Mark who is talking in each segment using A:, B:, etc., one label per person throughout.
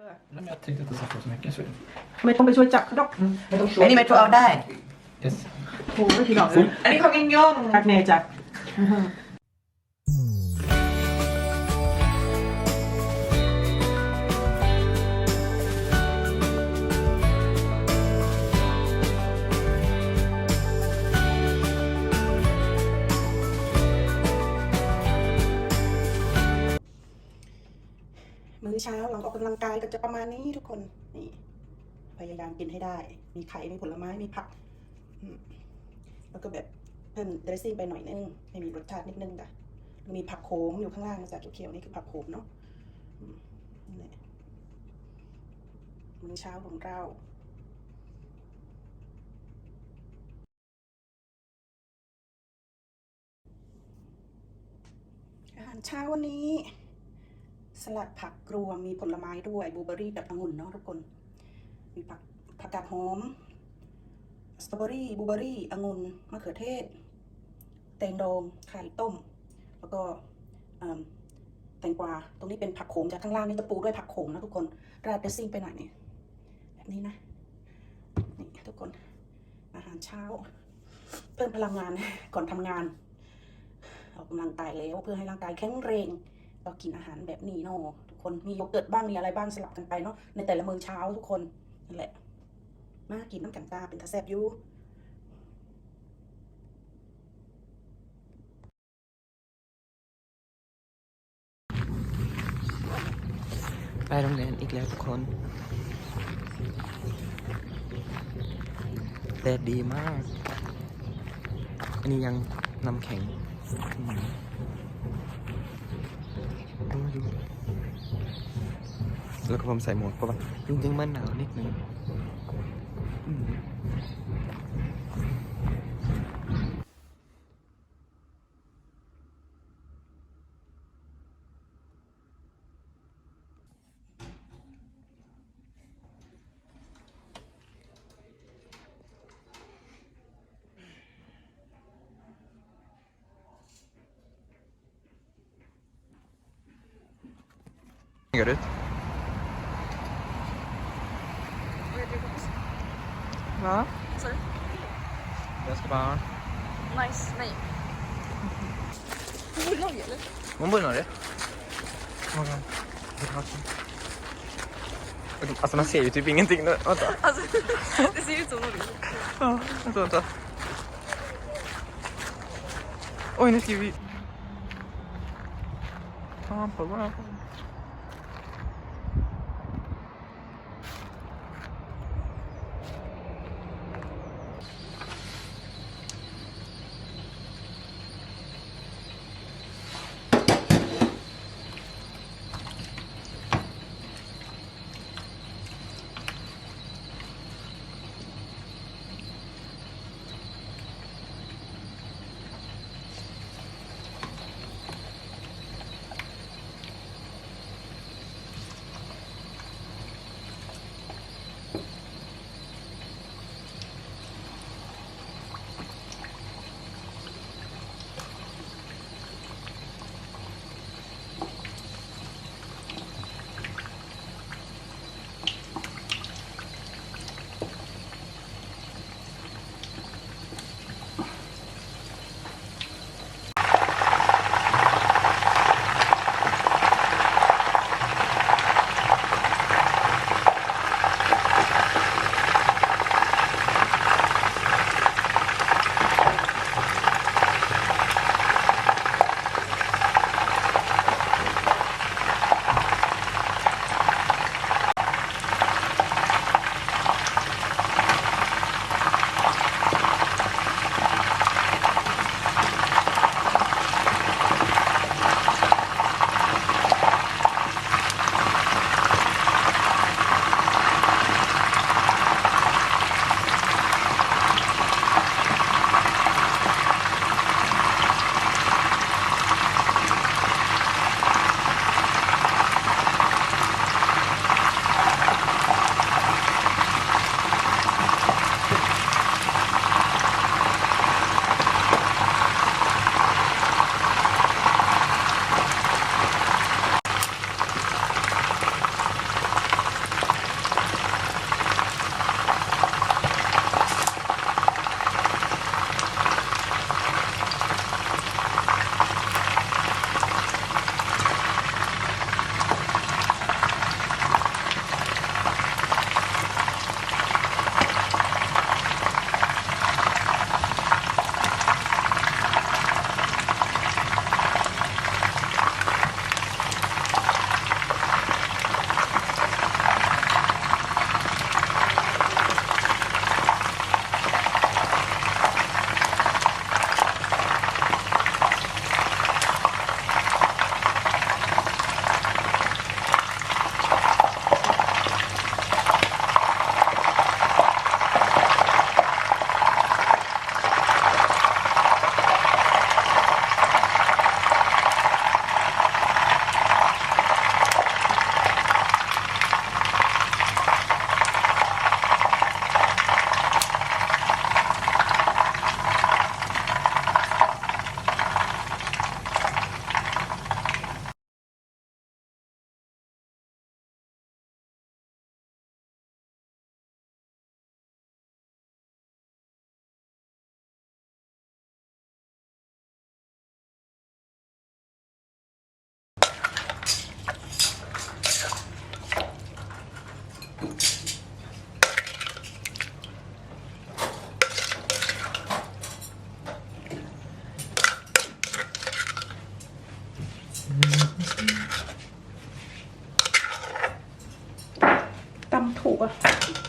A: Men jag tänkte inte sätta så mycket så.
B: ไม่ต้องไปช่วยจับเขาดอก
C: อันนี้เมโทรเอาได้
A: Yes.
B: โอ้ยพี่ดอกเลย
C: อันนี้ของยังย่อง
B: จักเนจักมื้อเช้าหลังออกกำลังกายก็จะประมาณนี้ทุกคนนี่พยายามกินให้ได้ มีไข่มีผลไม้มีผักแล้วก็แบบเพิ่มเดรสซิ่งไปหน่อยนึงให้มีรสชาตินิดนึงจ้ะมีผักโขมอยู่ข้างล่างนะจ๊ะเขียวๆนี่คือผักโขมเนาะนี่มื้อเช้าของเราอาหารเช้าวันนี้สลัดผักรวมมีผลไม้ด้วยบลูเบอร์รี่กับองุ่นเนาะทุกคนมีผักกาดหอมสตรอเบอรี่บลูเบอร์รี่องุ่นมะเขือเทศแตงดองไข่ต้มแล้วก็แตงกวาตรงนี้เป็นผักโขมจากข้างล่างนี่จะปูด้วยผักโขมนะทุกคนราดเดรสซิ่งไปหน่อยนี่แบบนี้นะนี่ทุกคนอาหารเช้าเพิ่มพลังงานก่อนทำงานออกกำลังกายแล้วเพื่อให้ร่างกายแข็งแรงก็กินอาหารแบบนี้เนาะทุกคนมีโยเกิร์ตบ้างมีอะไรบ้างสลับกันไปเนาะในแต่ละมื้อเช้าทุกคนนั่นแหละมากินน้ำกันตาเป็นตาแซ่บอยู่
C: ไปโรงเรียนอีกแล้วทุกคนแดดดีมากอันนี้ยังน้ำแข็งดูแล้วก็ผมใส่หมวกเพราะว่าจริงๆมันหนาวนิดนึงGör du? Va?
D: Sorry.
C: Jag ska bara...
D: Nice. Nej. Du bor i Norge eller?
C: Man bor i Norge? Alltså man ser ju typ ingenting nu. Vänta.
D: Alltså, det ser ut som Norge.
C: Ja, vänta. Oj, nu skriver vi... Fan på vad?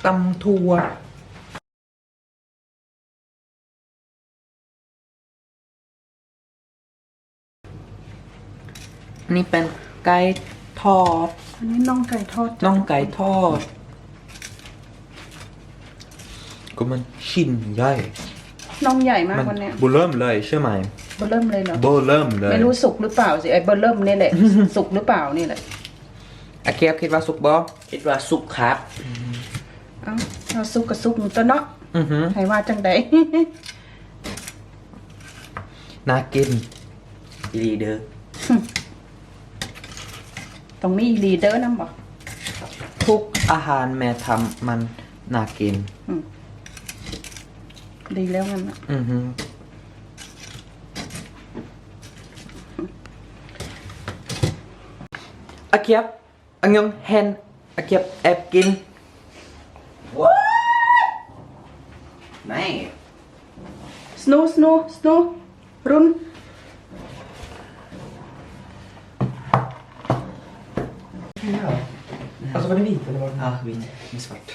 C: ตำถั่วอันนี้เป็นไก่ทอด
B: อันนี้น่องไก่ทอด
C: น่องไก่ทอดก็มันชิ้นใหญ่
B: น่องใหญ่มาก
C: มัน
B: วันเนี้ย
C: เบอร์เริ่มเลยใช่ไหม
B: เบอร์เริ่มเลยเหรอ
C: เบอร์เริ่มเลย
B: ไม่รู้สุกหรือเปล่าสิไอ้เบอร์เริ่มนี่แหละ สุกหรือเปล่านี่แหละ
C: อาเคียบคิดว่าสุกบ่
E: คิดว่าสุกครับ
B: เอ้าเอาสุกกับสุกตัวเนาะ
C: อือหือ
B: ให้ว่าจังใด
C: น่ากิน
E: ลีเดอร์
B: ตรงนี้ลีเดอร์นำบ่
C: ทุกอาหารแม่ทำมันน่ากิน
B: ดีแล้วงั้นนะ
C: อือหืออาเคียบอังยองเฮนอาเคียบแอบกิน
E: ไม่
B: สนูรุน
C: Alltså var det vit eller var det?
E: Ja, vit med svart.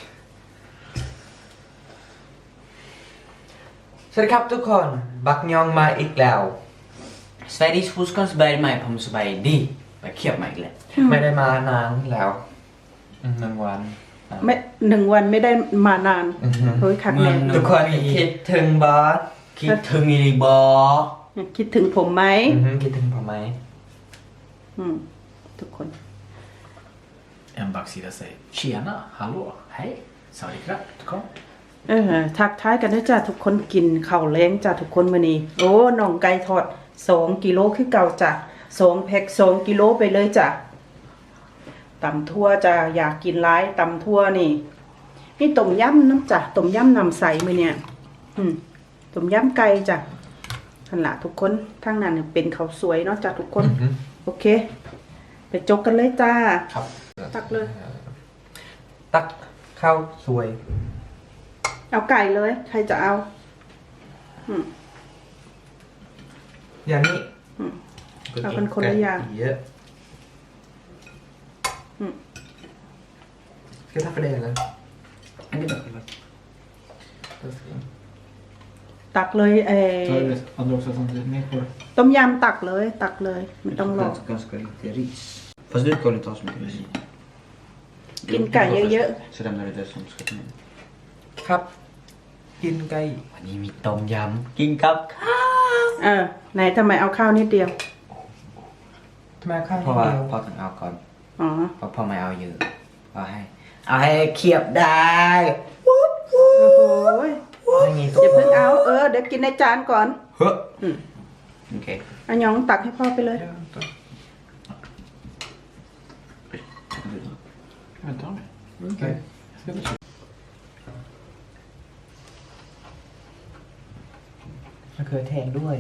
C: สวัสดีครับทุกคน บักยองมาอีกแล้ว
E: Sveriges huskonstberg mig på Musabai D. Jag köper mig lätt.
C: ไม่ได้มานานแล้วหนึ่งวัน
B: ไม่1 วันไม่ได้มานาน
C: อือฮึ
B: เฮ้ยคักแน่
C: ทุกคนคิดถึงบอส
E: คิดถึงอีบอ
B: คิดถึงผมไหม
C: คิดถึงผมไหม
B: ทุกคน
A: En baksida säger tjena, hallå, hej, sawadikra, kom.
B: ทักท้ายกันด้วยจ้าทุกคนกินข้าวแล้งจ้าทุกคนมื้อนี้โอ้น่องไก่ทอด2 กิโลคือเก่าจ้ะ2 แพ็ค2 กิโลไปเลยจ้ะตำทั่วจ้ะอยากกินหลายตำทั่วนี่นี่ต้มยำน้ำจ้ะต้มยำน้ำใสมื้อเนี่ยต้มยำไก่จ้ะนั่นล่ะทุกคนทางนั้นเป็นข้าวสวยเนาะจ้ะทุกคนโอเค ไปจกกันเลยจ้า
C: ครับ
B: ตักเลย
C: ตักข้าวสวย
B: เอาไก่เลย ใครจะเอา
C: อย่างนี้
B: เอาเป็นคนละอย่าง
C: เยอะSka jag ta för det eller?
E: Det är bra.
B: ตักเลย
A: Tar du andra också samtidigt med på det?
B: ต้มยำตักเลย ตักเลยไม่ต้องรอ
E: Ganska lite ris. Fast du kan inte ta så mycket ris.
B: กินไก่เยอะ
E: Så lämnar du det som ska till mig.
C: ครับ กินไก่
E: วันนี้มีต้มยำกินกับข้าว
B: ไหนทำไมเอาข้าวนิดเดียว
C: ทำไมข้าว
E: เพ
C: นิ
E: ราะ
C: ด
E: ว่า
C: เดียว
E: พ่อถึงเอาก่อน
B: อ๋อ
E: เพราะพ่อไม่เอาเยอะเอาให้เคียบได้
B: โอ้โห
C: ไม่มีตัว
B: อย่าเพิ่งเอา เดี๋ยวกินในจานก่อน
C: เฮ้อ
E: โอเค
B: อันยองตักให้พ่อไปเลย
A: Vänta med. Okej. Jag ska ta
C: มะเขือแทนด้วย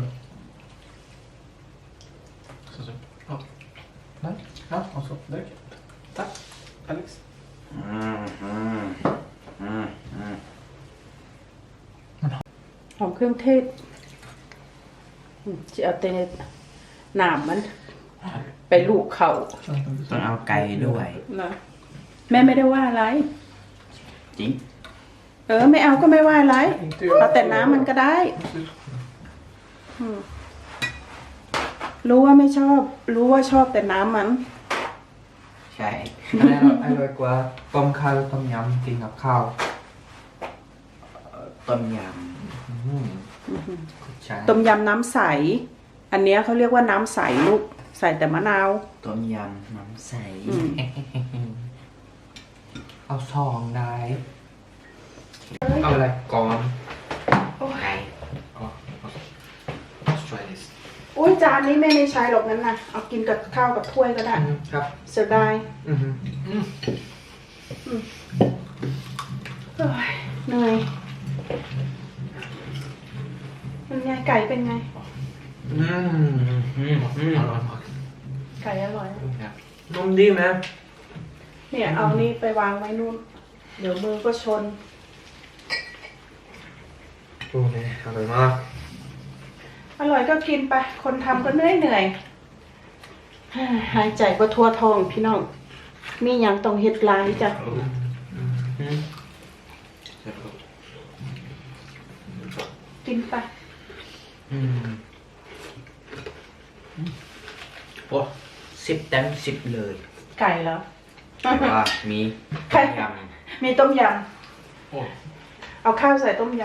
A: Så. Ja. Nej. Ja, och så. Där. Tack, Alex.
B: หอมเครื่องเทศจะเอาแต่หนามมัน ไปลูกเขา
E: ต้องเอาไก่ด้วย
B: นะแม่ไม่ได้ว่าอะไร
E: จริง
B: ไม่เอาก็ไม่ว่าอะไร เอาแต่น้ำมันก็ได้ รู้ว่าไม่ชอบ รู้ว่าชอบแต่น้ำมัน
E: ใช่
C: อันนี้อร่อยกว่าต้มข้าวต้มยำกินกับข้าว
E: ต้มย
C: ใช่
B: ต้มยำน้ำใส อันเนี้ยเขาเรียกว่าน้ำใสลูก ใส่แต่มะนาว
E: ำต้มยำน้ำใส
C: เอาซองได้ เอาอะไรก่อน
E: ไก่
A: Let's try this.
B: อุ้ยจานนี้แม่ไม่ใช้หรอกนั้นนะเอากินกับข้าวกับถ้วยก็ได้
C: ครับ
B: เสียดาย
C: อือฮึ
B: เอ้ยเหนื่อยเป็นไงไก่เป็นไง ไก่อร่อย
C: นุ่มดีไหม
B: เนี่ยเอานี่ไปวางไว้นู่น เดี๋ยวมือก็ชน
C: โอ้ยอร่อยมาก
B: อร่อยก็กินไป คนทำก็เหนื่อยหายใจก็ทั่วท้องพี่น้อง มีอย่างต้องเฮ็ดหลายจ้ะกินไป
E: โอ้10 เต็ม 10 เลย
B: ไก่แล้ว
E: แต่ว่ามี
B: ไก่
E: ย
B: มีต้มย
A: โอ้
B: ำเอาข้าวใส่ต้มย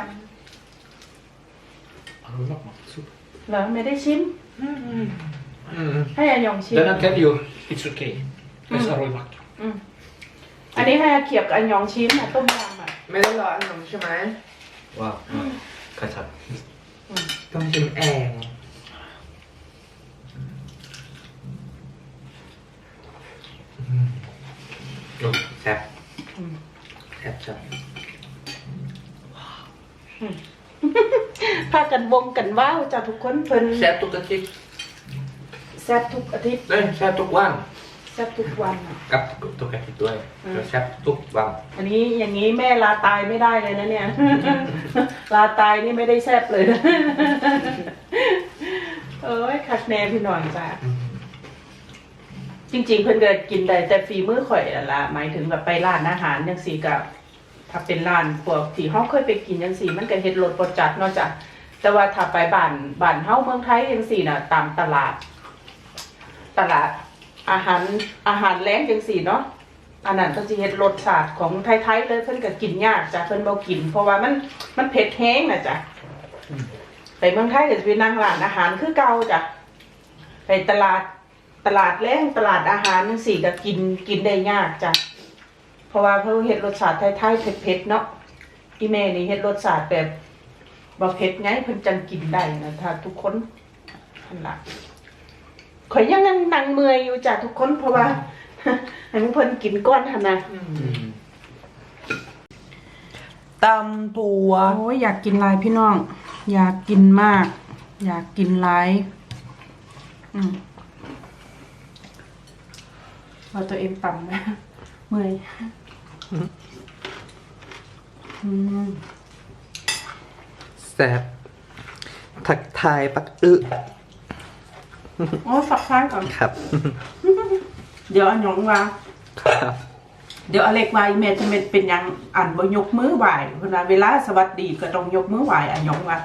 A: อร่อยมากซุป
B: ำเหรอไม่ได้ชิม ให้อายองชิม
A: Den I tell you it's okay it's อร่อยมาก
B: อันนี้ให้อาเขียบกับอายองชิมนะต้มยำอ่ะ
C: ไม่ได้รออันนมใช่ไหม
E: ำว้าวกระชับ
C: ต้องชิมแอง
E: แซ่บแซ่บจัด
B: พากันวงกันว้าวจ้ะทุกคนเพิ่น
E: แซ่บทุกอาทิตย์
B: แซ่บทุกอาทิตย์
E: เอ้ยแซ่บทุกวัน
B: แซ่บทุกวันอะ
E: กับทุกอาทิตย์ด้วยแซ่บทุกวัน
B: อันนี้อย่างนี้แม่ลาตายไม่ได้เลยนะเนี่ย ลาตายนี่ไม่ได้แซ่บเลยนะ เอ้ยคักแน่พี่หน่อยจ้ะจริงๆเพิ่นก็กินได้แต่ฝีมือข่อยนั่นล่ะหมายถึงแบบไปร้านอาหารจังซี่ก็ถ้าเป็นร้านพวกที่เฮาเคยไปกินจังซี่มันก็เฮ็ดรสบ่จัดเนาะจ้ะแต่ว่าถ้าไปบ้านเฮาเมืองไทยจังซี่น่ะตามตลาดอาหารแล้งจังซี่เนาะอันนั้นก็สิเฮ็ดรสชาติของไทยๆเลยเพิ่นก็กินยากจ้ะเพิ่นบ่กินเพราะว่ามันเผ็ดแฮงน่ะจ้ะไปเมืองไทยก็สิไปนั่งร้านอาหารคือเก่าจ้ะไปตลาดแล้งตลาดอาหารจังซี่ก็กินได้ยากจ้ะเพราะว่าเพิ่นเฮ็ดรสชาติไทยๆเผ็ดๆเนาะอีแม่นี่เฮ็ดรสชาติแบบบ่เผ็ดไงเพิ่นจังกินได้นะถ้าทุกคนนั่นล่ะข่อยยังนั่งเมื่อยอยู่จ้ะทุกคนเพราะว่า ให้เพิ่นกินก้อนหั่นน่ะ
C: ตำตัว
B: โอ้ยอยากกินหลายพี่น้อง อยากกินมาก อยากกินหลายว่าตัวเองต่ำนะเมื่อย
C: แซ่บทักทายปักอึ
B: โอ้ฝักซ้ายก่อน
C: ครับ
B: เดี๋ยวอันหยองว่า
C: ครับ
B: เดี๋ยวอเล็กว่าอีเมจะเป็นหยังอ่านบ่ยกมือไหวเพราะนั้นเวลาสวัสดีก็ต้องยกมือไหวอันหยองว่า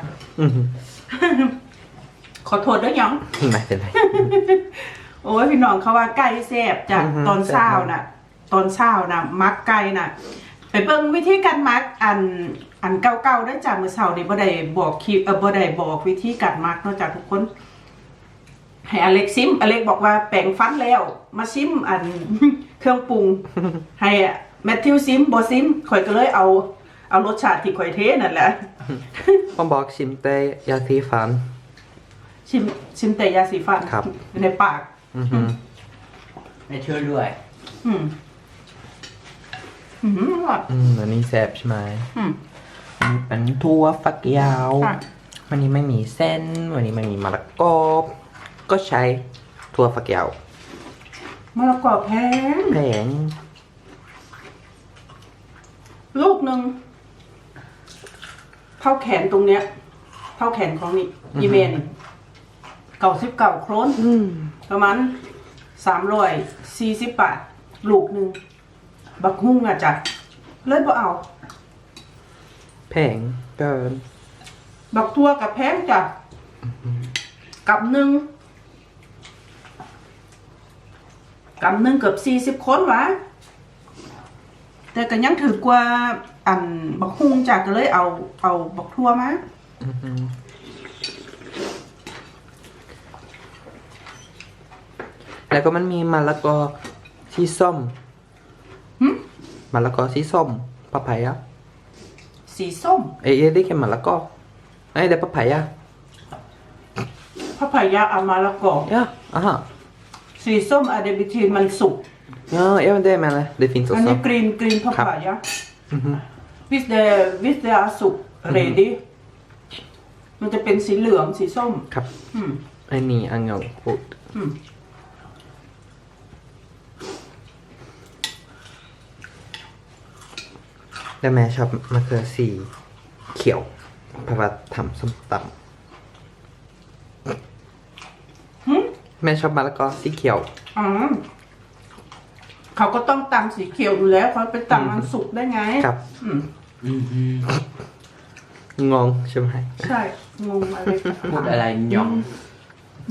B: ขอโทษด้วยหยอง
C: ไม่เป็นไร
B: โอ้ยพี่น้องเขาว่าไก่แซ่บจาก
C: อือฮึ
B: ตอนเช้าน่ะ มักไก่น่ะ ไปเบิ่งวิธีการมักอันเก่าๆได้จากมื้อเช้านี่บ่ได้บอกคลิปบ่ได้บอกวิธีการมักเนาะจากทุกคน ให้อเล็กซิมอเล็กบอกว่าแปรงฟันแล้ว มาซิมอัน เครื่องปรุง ให้แมทธิวซิมบ่ซิมข่อยก็เลยเอารสชาติที่ข่อยเทนั่นแหละ
C: ผมบอกชิมแต่ยาสีฟัน
B: ชิมแต่ยาสีฟัน
C: ครับ
B: ในปาก
E: ไม่เชื่อด้วย
B: อืมอร่อย
C: อันนี้แซ่บใช่ไหม
B: อืม
C: อันนี้เป็นถั่วฝักยาว
B: ค่ะ
C: วันนี้ไม่มีเส้น วันนี้ไม่มีมะละกอ ก็ใช้ถั่วฝักยาว
B: มะละกอแพง
C: แพง
B: ลูกหนึ่งเท่าแขนตรงเนี้ย เท่าแขนของนี่ยีเมน99 โครนประมาณ340 บาท ลูกหนึ่งบักฮุ่งอ่ะจ้ะเลยบ่เอา
C: แพงเกิน
B: บักทั่วกับแพงจ้ะกับหนึ่งเกือบ40 คนวะแต่ก็ยังถือกว่าอันบักฮุ่งจ้ะก็เลยเอาบักทั่วมา
C: แล้วก็มันมีมะละกอสีส้ม
B: หึ
C: มะละกอสีส้มปะไพอะ
B: สีส้ม
C: ได้แค่มะละกอได้ปะไพอะ
B: พะพายาอามาละกอ
C: Ja, aha.
B: สีส้มอะเดบิทีนมันสุก
C: Ja, ja men det menar jag. Det finns
B: อันนี้
C: också.
B: กรีนพะพายา with the สุก ready มันจะเป็นสีเหลืองสีส้ม
C: ครับ
B: อืม
C: อันนี้อังเงาพูด
B: อืม
C: แล้วแม่ชอบมะเขือสีเขียวเพราะว่าทำส้มตำแม่ชอบมะละกอสีเขียว
B: อ๋อเขาก็ต้องตำสีเขียวอยู่แล้วเขาไปตำมันสุกได้ไง
C: ครับ
B: อืม
C: งงใช่ไหม
B: ใช่ งงอะไร
E: พูดอะไรหยอง
B: ดู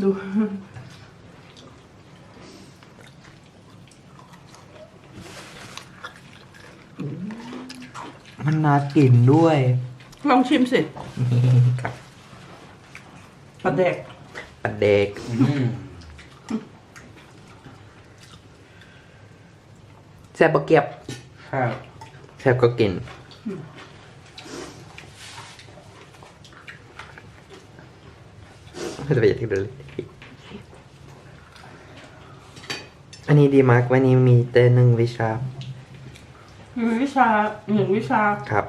C: มันน่ากินด้วย
B: ลองชิมสิ
C: ครับ
B: ปลาแดก
C: ปลาเด็ก แซ่บปะเกียบ
E: ครับ
C: แซ่บก็กิน ไม่ต้องไปอยากที่ดูเลยอันนี้ดีมากวันนี้มีแต่หนึ่งวิชา
B: มีวิชา1 วิชา
C: ครับ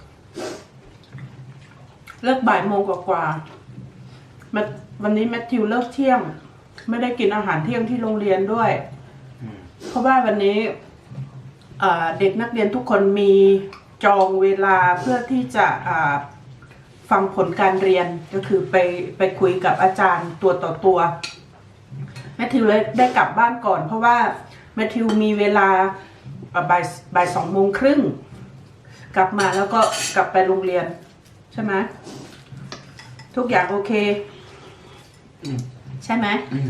B: เลิกบ่ายโมงกว่าวันนี้แมทธิวเลิกเที่ยง ไม่ได้กินอาหารเที่ยงที่โรงเรียนด้วย เพราะว่าวันนี้เด็กนักเรียนทุกคนมีจองเวลาเพื่อที่จะฟังผลการเรียนก็คือไปคุยกับอาจารย์ตัวต่อตัวแมทธิวเลยได้กลับบ้านก่อน เพราะว่าแมทธิวมีเวลาบ่าย2:30กลับมาแล้วก็กลับไปโรงเรียนใช่ไหมทุกอย่างโอเคใช่ไหม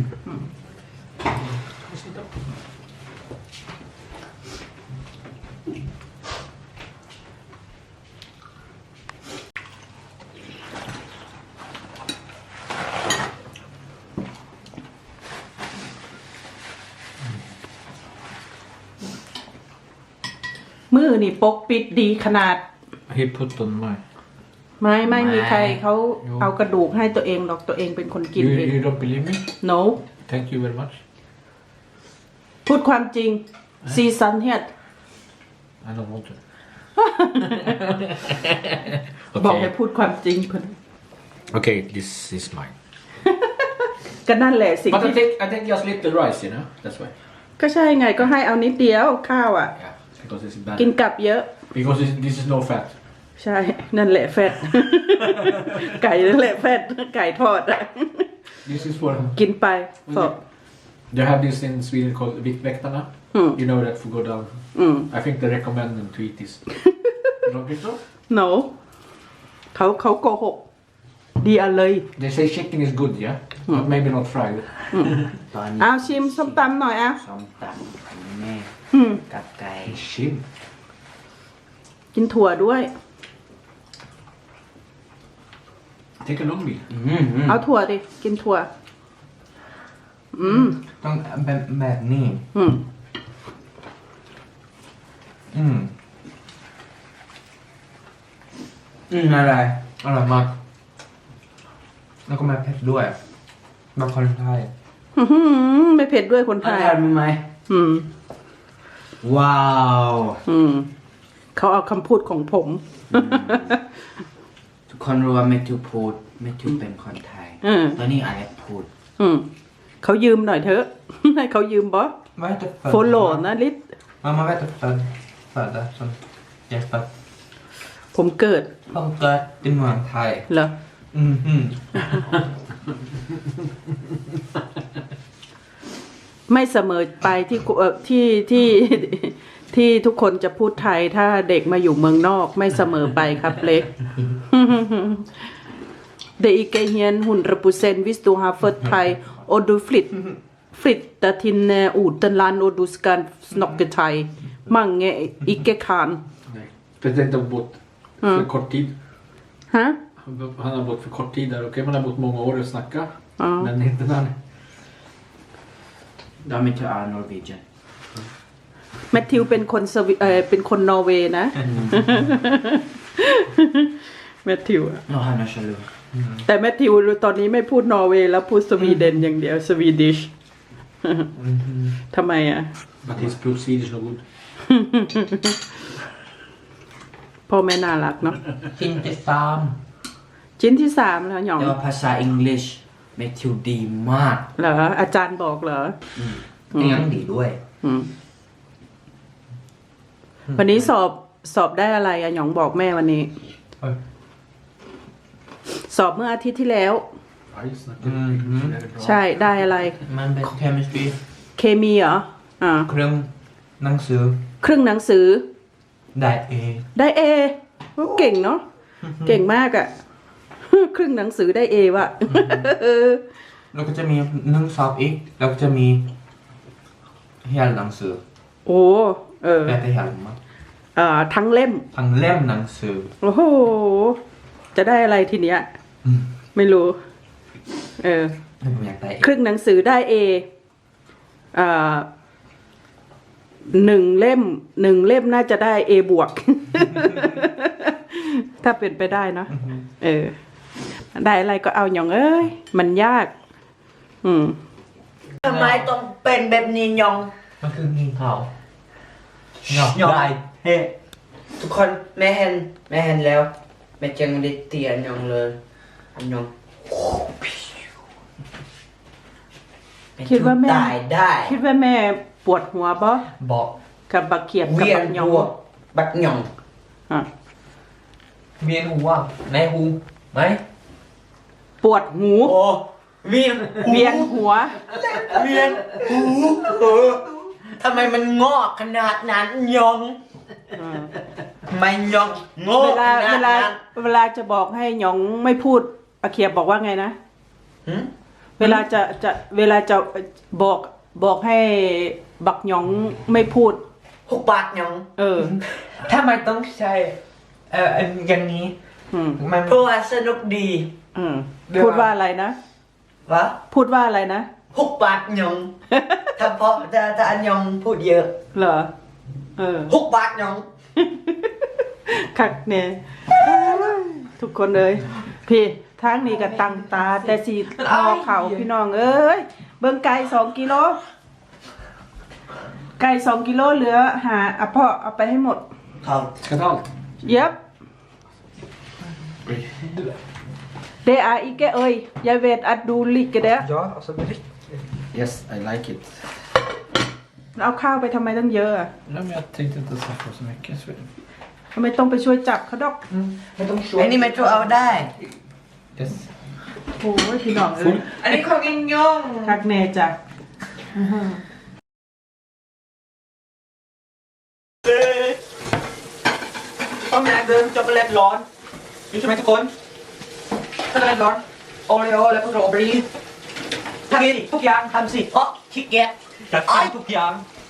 B: มือนี่ปกปิดดีขนาด
A: He put on my.
B: ไม่มีใครเขาเอากระดูกให้ตัวเองหรอกตัวเองเป็นคนกินเอง
A: You don't believe me?
B: no
A: Thank you very much.
B: พูดความจริงซีซันเฮีย
A: I don't want to.
B: บอกให้พูดความจริงเพิ่น
A: Okay, this is mine.
B: ก็นั่นแหละสิ่ง
A: But
B: ที่
A: I think just little rice, you know. That's why.
B: ก็ใช่ไงก็ให้เอานิดเดียวข้าวอ่ะ
A: Yeah, because it's bad.
B: กินกลับเยอะ
A: Because this is no fat.
B: ใช่ นั่นแหละแฟต ไก่นั่นแหละแฟตไก่ทอดอะ
A: This is for.
B: กินไปสอบ
A: They have this in Sweden called Viktväktarna. You know that for go down. I think they recommend them to eat this. You don't think so?
B: no เขาโกหกดีอะเลย
A: They say chicken is good, yeah, but maybe not fried.
E: ตอนนี้
B: เอาชิมส้มตำหน่อยอ่ะ
E: ส้มตำของแม่กับไก่
A: Shim.
B: กินถั่วด้วย
A: Take a long meal.
B: เอาถั่วดิ กินถั่ว
C: ต้องแบบนี้ อะไร อร่อยมาก แล้วก็มาเผ็ดด้วยมาคนไทย
B: ไม่เผ็ดด้วยคนไทย
E: ทานไหม
B: อืม
E: ว้าว
B: เขาเอาคำพูดของผม
E: ทุกคนรู้ว่าแมทธิวพูดแมทธิวเป็นคนไทย ตอนนี้อะไรพูด
B: เขายืมหน่อยเถอะ ให้เขายืมบอส
C: Vad heter född?
B: โฟโลนะลิศ
C: Mamma vet att födda som Jesper.
B: ผมเกิด
C: Hon got i Muang Thai.
B: เหรอ ไม่เสมอไปที่ทุกคนจะพูดไทยถ้าเด็กมาอยู่เมืองนอกไม่เสมอไปครับเล็ก Det är inte igen 100% visst du har fått thai och du flyttar till utomland och du ska snacka thai. Många inte kan.
A: Speciellt har bott för kort tid.
B: Hä?
A: Han har bott för kort tid där. Okej, man har bott många år och snacka. Men inte när.
E: ดอมิเตอร์อาร์นอร์เวเจน
B: แมทธิวเป็นคนนอร์เวย์นะ แมทธิวอะ
E: โนฮานาชลู
B: แต่แมทธิวตอนนี้ไม่พูดนอร์เวย์แล้วพูดสวีเดนอย่างเดียวสวีดิช ทำไมอ่ะ
A: But his proof Swedish no good.
B: พ่อแม่น่ารักเนาะ
C: ชิ้นที่สาม
B: ชิ้นที่3แล้วหยอง
E: แต่ว่าภาษาอังกฤษแมทธิวดีมาก
B: เหรออาจารย์บอกเหรอ
C: ยังดีด้วย
B: วันนี้สอบได้อะไรอะหยองบอกแม่วันนี้ สอบเมื่ออาทิตย์ที่แล้ว
A: Ja, jag snackar väldigt bra.
B: ใช่ได้อะไร
C: มันเป็น chemistry
B: เคมีเหรออ่า
C: เครื่องหนังสือ
B: ครึ่งหนังสือ
C: ได้ A
B: ได้เอเก่งเนาะเก่งมากอะ ครึ่งหนังสือได้เอวะ
C: แล้วก็จะมีนึ่งซอฟอีกแล้วก็จะมีเฮียหนังสือ
B: โอ้เออ
C: แปลแต่เฮียมั้ง
B: ทั้งเล่ม
C: ทั้งเล่มหนังสือ
B: โอ้โห จะได้อะไรทีเนี้ย ไม่รู้
C: ผมอยากได้
B: ครึ่งหนังสือได้เอหนึ่งเล่มน่าจะได้เอบวก ถ้าเป็นไปได้เนาะได้อะไรก็เอาอย่างเอ้ย มันยาก
E: ทำไมต้องเป็นแบบนี้ยอง
C: มันคืองีเห่า
E: ยองเฮ้ทุกคนแม่เห็นแล้วแม่จังได้เตียยองเลยยอง
B: คิดว่าแม่
E: ตายได้
B: คิดว่าแม่ปวดหัวปะ
C: บอก
B: กับบักเขียบกับ
E: เวีย
B: บั
E: น
B: กหยอง
E: หัวบักหยอง
B: อ่ะ
C: เวียนหัวในหูไหม
B: ปวดหู
E: โอ้เวียน
B: เวียนหัว
E: หูทำไมมันงอกขนาดนั้นยองไม่ยองงอก
B: เวลา
E: ขนาดนั้น
B: เวลาจะบอกให้หยองไม่พูดอาเขียบบอกว่าไงนะ
E: หึ
B: เวลาจะบอกให้บักหยองไม่พูด
E: หกบาทยอง
C: ถ้ามันต้องใช้อย่างนี้ มัน
E: เพราะว่าสนุกดี
B: พูดว่าอะไรนะ
E: วะ
B: พูดว่าอะไรนะ
E: หกบาทยองถ้าเพราะถ้าอันยองพูดเยอะ
B: เหรอ
E: หกบาทยอง
B: คักเนี่ยทุกคนเลยพี่ทางนี้ก็ตั้งตาแต่สีทอเข่าพี่น้องเอ้ยเบิ่งไก่2 กิโลไก่2 กิโลเหลือหาพ่อเอาไปให้หมด
E: ครับ
A: Ska ta allt?
B: เย็บเดอาอีกเอ้ยยายเวทอัดดูลิกกันเด้อ
C: Ja, alltså direkt.
A: Yes, I like it.
B: เอาข้าวไปทำไมตั้งเยอะอะ
A: Nej, men jag tänkte inte ens få så mycket. Så...
B: ทำไมต้องไปช่วยจับเขาดอก
C: ไม่ต้องช่ว
E: อั
C: ย
E: นนี้ไม่ช่วยเอาได้
A: Yes.
B: โอ้ยพี่น้องเอ้ย
C: อันนี้ของอิงยอง
B: คักแน่จ้ะ
C: ต้องอยากเดินช็อกโกแลตร้อนอยู่ใช่ไหมทุกคนช็อกโกแลตร้อนโอรีโอและพวกเราบรีทำสิทุกอย่างทำสิ
E: เพราะขี้เกียจ
C: จัดการทุกอย่าง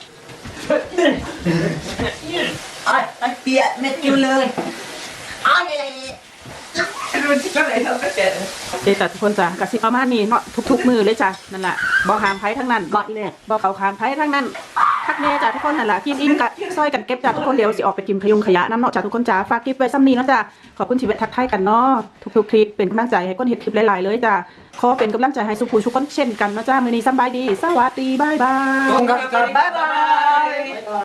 E: ไอ้เปียกเม็ดกินเลยไอ้
C: ดูที่ก็ไหนทำก็เจ็ด
B: เดยวจ้ะทุกคนจ้ะกะสิประมาณนี้เนาะทุกๆมือเลยจ้ะนั่นแหละบ่หามไผทั้งนั้นบ่เนี่ยบ่เขาขามไผทั้งนั้นทักแน่จ้ะทุกคนนั่นแหละกินอิ่มกะซอยกันเก็บจ้ะทุกคนเดี๋ยวสิออกไปกินขยะน้ำเนาะจ้ะทุกคนจ้ะฝากคลิปไว้ซ้ำนี้เนาะจ้ะขอบคุณชีวิตทักทายกันเนาะทุกๆคลิปเป็นกำลังใจให้ก้นเฮ็ดคลิปหลายๆเลยจ้ะขอเป็นกำลังใจให้สุภูทุกคนเช่นกันเนาะจ้ะมื้อนี้สำบายดีสวัสดีบ๊ายบาย
C: ขอบคุณครับบ๊ายบาย